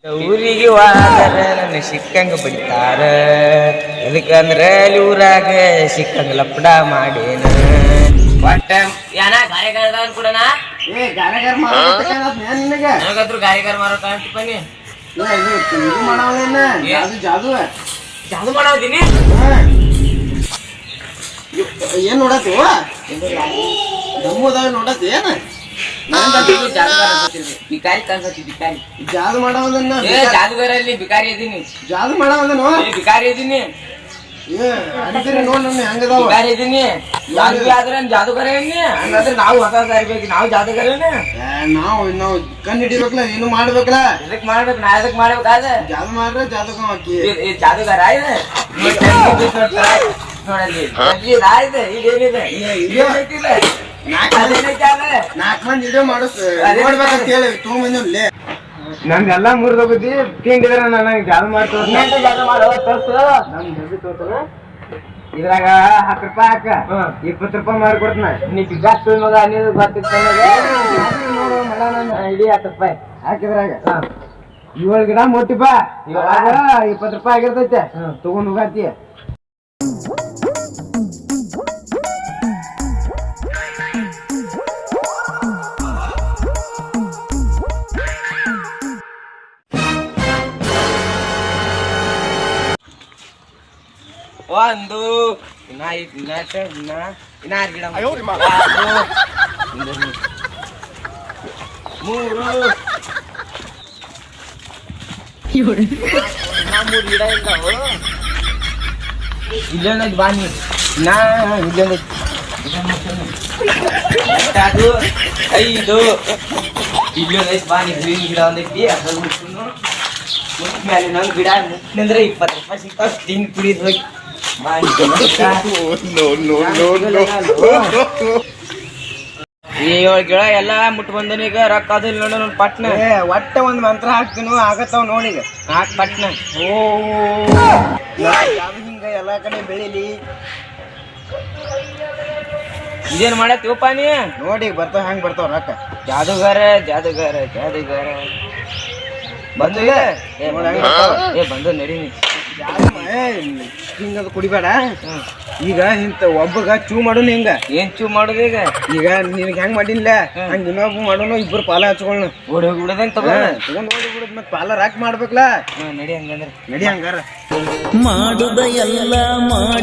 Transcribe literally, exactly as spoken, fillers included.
ಊರಿಗೆ ಹೋದರೆ ನನ್ನ ಸಿಕ್ಕಂಗ ಬಡಿತಾರ, ಎದಕ್ಕಂದ್ರ ಅಲ್ಲಿ ಊರಾಗ ಸಿಕ್ಕಂಗ ಲಪಡ ಮಾಡೇನ. ಒಟ್ಟ ಏನ ಗಾರೆಗಾರ ಕೂಡನಾ ಏ ಗಾರೆಗಾರ ನಿನಗೆ ನನಗಾದ್ರು ಗಾರೆಗಾರ ಮಾರೋ ಕಾಣ್ತಿಪ್ಪ ನೀ. ಇದು ಮಾಡಾವೇನ ಜಾದು ಜಾದು ಜಾದು ಮಾಡಾವದೀನಿ. ಏನ್ ನೋಡತ್ತಿ ದಮ್ಮದಾಗ ನೋಡತ್ತಿ ಏನ ಬಿಕಾರಿ ಕಾಣ್ಸತಿ ಬಿಕಾರಿ. ಜಾದು ಮಾಡಾವದನ್ನ ಜಾದುಗಾರ ಅಲ್ಲಿ ಬಿಕಾರಿ ಇದೀನಿ. ಜಾದು ಮಾಡಾವದನು ಬಿಕಾರಿ ಇದೀನಿ. ಏ ಅಡಿದ್ರೆ ನೋಡ್ ನನ್ನ ಹೆಂಗದಾವ ಬಿಕಾರಿ ಇದೀನಿ. ಜಾದುಗಾರ ಆದ್ರೆ ಜಾದುಗಾರ ಏನಿ ಹಂಗಾದ್ರೆ ನಾವು ಹೊಸ ಇರ್ಬೇಕು. ನಾವು ಜಾದುಗಾರನೇ. ನಾವು ನಾವು ಕಣ್ ಹಿಡಿಬೇಕಲ್ಲ ಏನು ಮಾಡ್ಬೇಕಲ್ಲ. ಎದಕ್ ಮಾಡ್ಬೇಕು ನಾ ಎದಕ್ ಮಾಡ್ಬೇಕಾದ ಜಾದು ಮಾಡ್ರೆ ಜಾದಕ ಹಾಕಿ ಜಾದುಗಾರ ಇದೆ ನೋಡಲ್ಲಿ ಇದೆ. ಈಗ ಏನಿದೆ ನಾಲ್ಕು ಮಂದಿ ವಿಡಿಯೋ ಮಾಡಿಸ್ ನೋಡ್ಬೇಕಂತ ಹೇಳಿ ತೊಗೊಂಬಂದಿ. ನಮ್ದೆಲ್ಲಾ ಮುರಿದೋಗತಿ ತಿಂಡಿದ್ರ ನನಗೆ ಜಾದು ಮಾಡ್ತೋ ಇದ್ರಾಗ ಹತ್ತು ರೂಪಾಯಿ ಹಾಕ ಇಪ್ಪತ್ತು ರೂಪಾಯಿ ಮಾಡ್ಕೊಡ್ತಾನ. ನೀ ಬಿಗಾಸ್ ಮಗ ಅನ್ನೋದು ಗೊತ್ತಿತ್ತ ಇಡೀ ಹತ್ತು ರೂಪಾಯಿ ಹಾಕಿದ್ರಾಗ ಏಳು ಗಿಡ ಮೊಟ್ಟಿಪ್ಪ ಇವಾಗ ಇಪ್ಪತ್ತು ರೂಪಾಯಿ ಆಗಿರ್ತೈತೆ ತಗೊಂಡ್ ಹೋಗತಿ. ಒಂದು ಇನ್ನ ಇನ್ನ ಇನ್ನ ಇನ್ನ ಆರು ಗಿಡ ಮೂರು ಮೂರು ಗಿಡ ಇದ್ದಾವು. ಇಲ್ಲೊಂದೈತಿ ಬಾ ನೀರು ಇನ್ನ ಇಲ್ಲೊಂದೈತಿ ಅದು ಐದು ಇಲ್ಲೊಂದೈತಿ ಬಾ ನೀರು ಗ್ರೀನ್ ಗಿಡ ಒಂದೈತಿ ಅದ್ರ ಮುಟ್ನು ಮುಟ್ ಮೇಲೆ ಇನ್ನೊಂದು ಗಿಡ ಮುಟ್ನಂದ್ರೆ ಇಪ್ಪತ್ತು ರೂಪಾಯಿ ಸಿಗ್ತಾವ. ತಿಂದು ಕುಡಿದು ಹೋಗಿ ಏಳು ಗಿಡ ಎಲ್ಲಾ ಮುಟ್ ಬಂದನ. ಈಗ ರೊಕ್ಕ ಅದು ಇಲ್ಲ ನೋಡ ಪಟ್ನ ಒಟ್ಟ ಒಂದ್ ಮಂತ್ರ ಹಾಕ್ತೀನು ಆಗತ್ತಾವ ನೋಡಿಗ ಹಾಕ್ ಪಟ್ನ. ಓ ಹಿಂಗ ಎಲ್ಲಾ ಕಡೆ ಬೆಳಿಲಿ. ಇದೇನ್ ಮಾಡತ್ತೀವಪ್ಪ ನೀ ನೋಡಿ ಬರ್ತಾವ ಹೆಂಗ್ ಬರ್ತಾವ ರೊಕ್ಕ. ಜಾದುಗಾರ ಜಾದುಗಾರ ಜಾದುಗಾರ ಬಂದು ಏ ಬಂದು ನಡೀನಿ. ಹಿಂಗದು ಕುಡಿಬೇಡ. ಈಗ ಇಂತ ಒಬ್ಬಗ ಚೂ ಮಾಡೋನು ಹಿಂಗ ಏನ್ ಚೂ ಮಾಡೋದು ಈಗ. ಈಗ ನಿನಗೆ ಹೆಂಗ್ ಮಾಡಿಲ್ಲ ಹಂಗ ಇನ್ನೊಬ್ಬ ಮಾಡೋನು ಇಬ್ಬರು ಪಾಲ ಹಚ್ಕೊಳ್ಳ ಓಡಿ ಹೋಗಿ ಬಿಡೋದಂಗ ತಗೋ ತಗೊಂಡ್ ಓಡಿ ಬಿಡೋದ್ ಮತ್ ಪಾಲ ರಾಕ್ ಮಾಡ್ಬೇಕಲ್ಲ. ನಡಿ ಹಂಗಂದ್ರ ನಡಿ ಹಂಗಾರ ಮಾಡುದ ಎಲ್ಲ ಮಾಡಿ